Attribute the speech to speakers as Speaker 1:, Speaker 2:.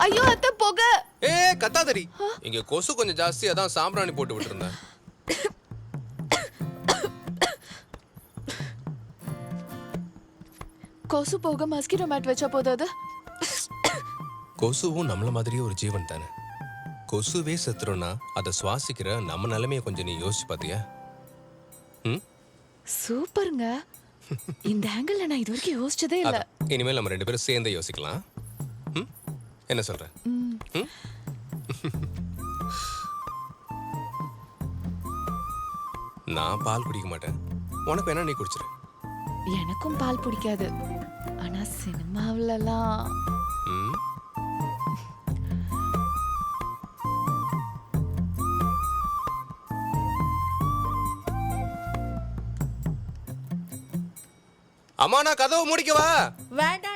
Speaker 1: ஐயோ அத்தை புகை.
Speaker 2: கத்தாதடி. இங்க கொசு கொஞ்சம் ஜாஸ்தி, அதான் சாம்பிராணி போட்டு விட்டுருந்தேன்.
Speaker 1: கொசு போக மஸ்கிட்டோ மேட் வச்சா போதாது.
Speaker 2: கொசுவும் நம்மள மாதிரியே ஒரு ஜீவன் தானே. கொசுவே செத்துறோம்னா அதை சுவாசிக்கிற நம்ம நிலைமைய கொஞ்சம் நீ யோசிச்சு பாத்தியா?
Speaker 1: சூப்பருங்க. இந்த ஆங்கிள் நான் இது வரைக்கும் யோசிச்சதே இல்ல.
Speaker 2: இனிமேல் நம்ம 2 பேரும் சேர்ந்தே யோசிக்கலாம். என்ன சொல்ற? நான் பால் குடிக்க மாட்டேன், உனக்கு வேணா நீ குடிச்சிரு.
Speaker 1: எனக்கும் பால் பிடிக்காது. ஆனா சினிமாவிலலாம்
Speaker 2: அம்மா நான் கதவை மூடிக்கவா?
Speaker 3: வேண்டாம்